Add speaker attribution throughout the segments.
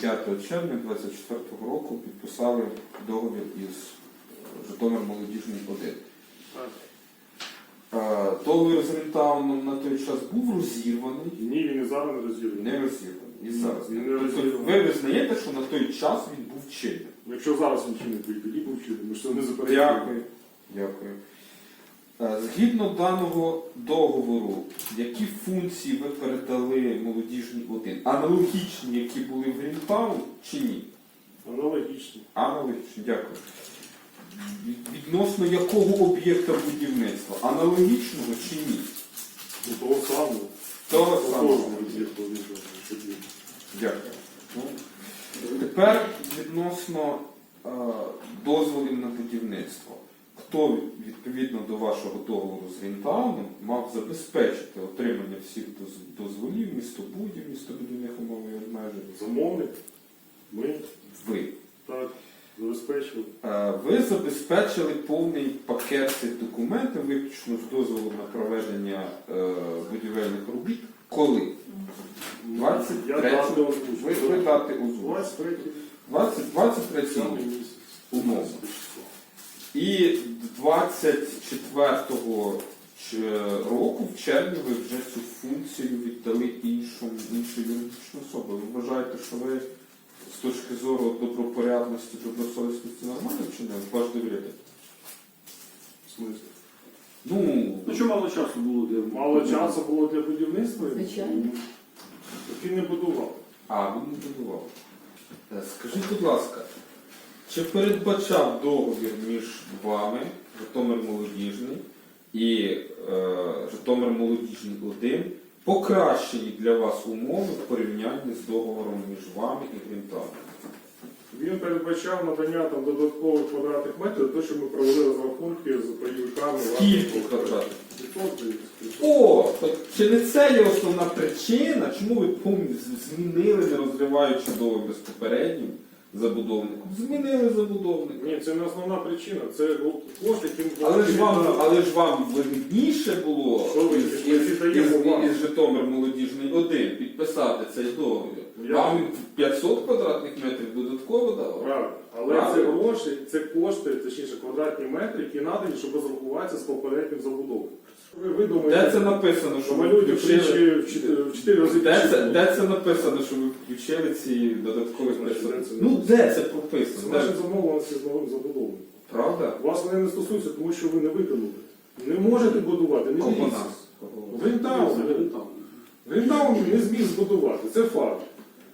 Speaker 1: 5 червня 2024 року підписали договір із Житомир Молодіжний 1. Договір з Рентауном на той час був розірваний.
Speaker 2: Ні, він і зараз не розірваний.
Speaker 1: Не розірваний. І зараз.
Speaker 2: Він не
Speaker 1: Тобто
Speaker 2: розірваний.
Speaker 1: ви визнаєте, що на той час він був чинним?
Speaker 2: Якщо зараз він чинний, то і тоді був чинний. Ми ж це не заперечуємо.
Speaker 1: Дякую. Дякую. Згідно даного договору, які функції ви передали Молодіжній 1? Аналогічні, які були в Грінтаун, чи ні?
Speaker 2: Аналогічно.
Speaker 1: Аналогічні, дякую. Відносно якого об'єкта будівництва? Аналогічного чи ні?
Speaker 2: Ну, того самого.
Speaker 1: Того самого. Дякую. Ну, тепер відносно дозволів на будівництво. Хто, відповідно до вашого договору з Рентауном, мав забезпечити отримання всіх дозволів, містобудів, містобудівних умов і обмежень?
Speaker 2: Замовник. Ми.
Speaker 1: Ви.
Speaker 2: Так. Забезпечили.
Speaker 1: Ви забезпечили повний пакет цих документів, виключно з дозволу на проведення будівельних робіт. Коли? 23 ви дати озвучу. 23 умовно. І 24 року, в червні, ви вже цю функцію віддали іншій юридичній особі. Ви вважаєте, що ви з точки зору добропорядності, добросовісності нормально вчинили? Ваш довіряєте?
Speaker 2: В смислі?
Speaker 1: Ну,
Speaker 3: що мало часу було для
Speaker 2: Мало часу було для будівництва?
Speaker 4: Звичайно.
Speaker 2: Так він не будував.
Speaker 1: він не будував. Скажіть, будь ласка, чи передбачав договір між вами, Житомир Молодіжний і Житомир Молодіжний 1, покращені для вас умови в порівнянні з договором між вами і Грінтауном?
Speaker 2: Він передбачав надання там додаткових квадратних метрів, те, що ми провели розрахунки з пайовиками.
Speaker 1: Скільки квадратів?
Speaker 2: 500.
Speaker 1: О, так чи не це є основна причина, чому ви змінили, не розриваючи договір з попереднім забудовником? Змінили забудовника.
Speaker 2: Ні, це не основна причина. Це кошти, яким...
Speaker 1: Але ж вам вигідніше було
Speaker 2: Що ви
Speaker 1: із Житомир Молодіжний 1 підписати цей договір. Вам 500 квадратних метрів додатково дало?
Speaker 2: Правильно. Але це гроші, це кошти, точніше квадратні метри, які надані, щоб розрахуватися з попереднім забудовою. Ви думаєте,
Speaker 1: Де це написано, що
Speaker 2: ми
Speaker 1: ви
Speaker 2: люди
Speaker 1: включили?
Speaker 2: в 4 рази
Speaker 1: Де це написано, що ви включили ці додаткові 500?
Speaker 2: Це
Speaker 1: Де це
Speaker 2: Це
Speaker 1: прописано?
Speaker 2: наші замовленості з новим забудовником.
Speaker 1: Правда?
Speaker 2: Вас вони не стосуються, тому що ви не виконали. Не можете будувати, не
Speaker 1: Кого
Speaker 2: дивіться.
Speaker 1: нас?
Speaker 2: Грінтаун. Грінтаун не зміг збудувати, це факт.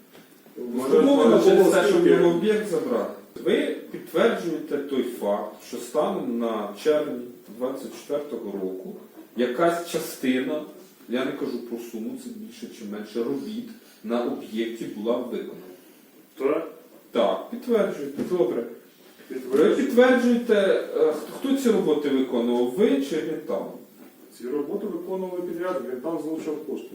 Speaker 1: Може, через те, щоб його об'єкт забрати. Ви підтверджуєте той факт, що станом на червень 2024 року якась частина, я не кажу про суму, це більше чи менше робіт, на об'єкті була виконана.
Speaker 2: Так?
Speaker 1: Так, підтверджуєте. Добре. Ви підтверджуєте, хто ці роботи виконував, ви чи Грінтаун?
Speaker 2: Ці роботи виконували підряд, Грінтаун залучав кошти.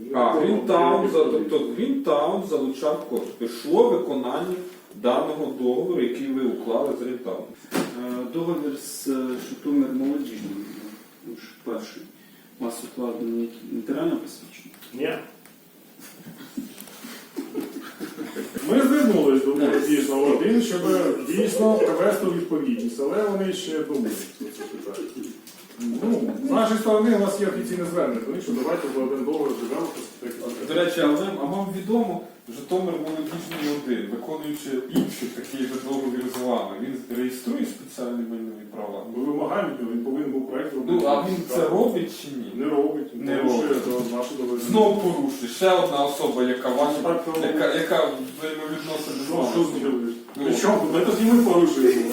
Speaker 1: Грінтаун залучав кошти. Пішло виконання даного договору, який ви уклали з Грінтауном.
Speaker 3: договір з Житомир Молодіжним, перший, у вас укладений нотаріально посвідчений?
Speaker 2: Ні. Ми звернулись до Молодіжного 1, щоб дійсно привести у відповідність, але вони ще думають про це питання. З нашої сторони у нас є офіційне звернення, тому що давайте в один договір живемо.
Speaker 1: До речі, а вам відомо, Житомир Молодіжний 1, виконуючи інші такі ж договір з вами, він реєструє спеціальні майнові права?
Speaker 2: Ми вимагаємо від нього, він повинен був проєкт робити.
Speaker 1: А він це робить чи ні?
Speaker 2: Не робить.
Speaker 1: Не робить.
Speaker 2: Наші договори.
Speaker 1: Знову порушує. Ще одна особа, яка взаємовідносить з вами.
Speaker 2: Що зробиш? Причому? Ми тоді ми порушуємо.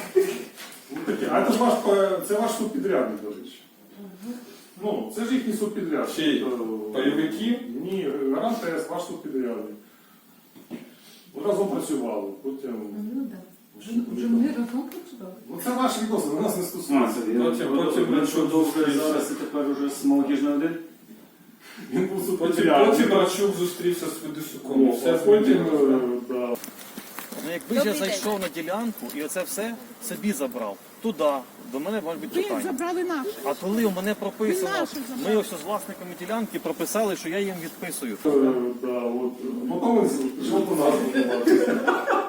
Speaker 2: А це ваш субпідрядник, до речі. Це ж їхній субпідрядник.
Speaker 1: Чий? Пайовиків?
Speaker 2: Ні, Гарант ТС, ваш субпідрядник. Ви разом працювали, потім...
Speaker 4: Вже ми разом працювали.
Speaker 2: Це ваші відносини, нас не стосується.
Speaker 3: Потім договір зараз і тепер уже з Молодіжним 1?
Speaker 2: Він був субпідрядник.
Speaker 1: Потім Рачук зустрівся з Федисюком.
Speaker 5: Якби ж я зайшов на ділянку і оце все собі забрав, туди, до мене можуть бути
Speaker 4: Ви
Speaker 5: питання.
Speaker 4: забрали наше.
Speaker 5: А коли у мене прописано,
Speaker 4: Ви наше забрали.
Speaker 5: ми ось з власниками ділянки прописали, що я їм відписую.
Speaker 2: Да, от. Потім він пішов по нас будувати.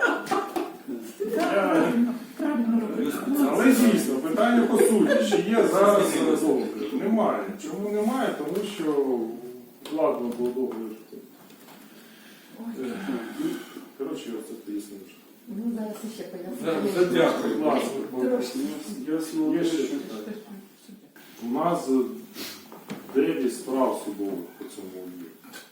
Speaker 2: Але дійсно, питання по суті, чи є зараз договір? Немає. Чому немає? Тому що вкладно було договір. Коротше, оце пояснив.
Speaker 6: Ну, зараз ще
Speaker 1: Да,
Speaker 6: поясню.
Speaker 1: Дякую.
Speaker 2: Будь ласка,
Speaker 6: Трошки.
Speaker 2: є ще питання. У нас 9 справ судових по цьому об'єкту.